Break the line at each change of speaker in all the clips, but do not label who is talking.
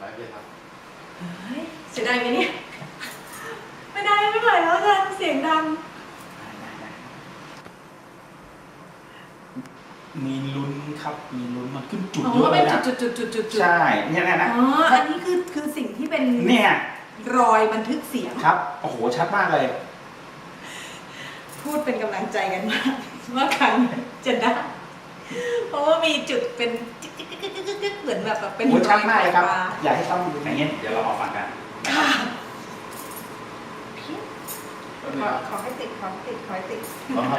ไปเลยครับ
เฮ้ยเสียดายไหมเนี่ยไม่ได้ไม่ไหวแล้วอาจารย์เสียงดัง
มีลุ้นครับมีลุ้นมันขึ้นจุด
อ๋
เย
อ
อะเล
เป็
ย
น
นะ
จุด
ใช่เนี่ยนะ
อ๋ออันนี้คือสิ่งที่เป็น
เนี่ย
รอยบันทึกเสียง
ครับโอ้โหชัดมากเลย
พูดเป็นกำลังใจกันมากว่าครั้งจะได้เพราะว่ามีจุดเป็นจิ๊กเหมือนแบบเป็น
โอ้ชัดมากเลยครับ
รอย
อยากให้ต้องดูอย่างเงี้ยเดี๋ยวเรามาฟังกัน
ค่ะ
ก็นี่ครับ
ขอให้ติดขอให้ติดขอให้ติด
ครับ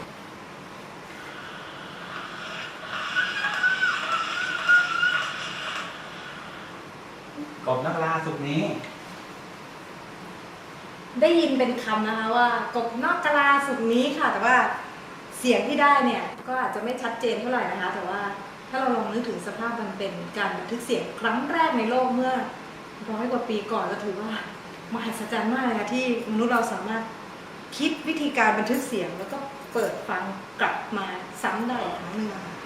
กบนักล่าสุดนี้
ได้ยินเป็นคำนะคะว่ากบนอกกะลาสุดนี้ค่ะ แต่ว่าเสียงที่ได้เนี่ยก็อาจจะไม่ชัดเจนเท่าไหร่นะคะ แต่ว่าถ้าเราลองนึกถึงสภาพมันเป็นการบันทึกเสียงครั้งแรกในโลกเมื่อ100 กว่าปีก่อนก็ถือว่ามหัศจรรย์มากเลยนะที่มนุษย์เราสามารถคิดวิธีการบันทึกเสียงแล้วก็เปิดฟังกลับมาซ้ำได้อีกครั้งหนึ่งอะค่ะ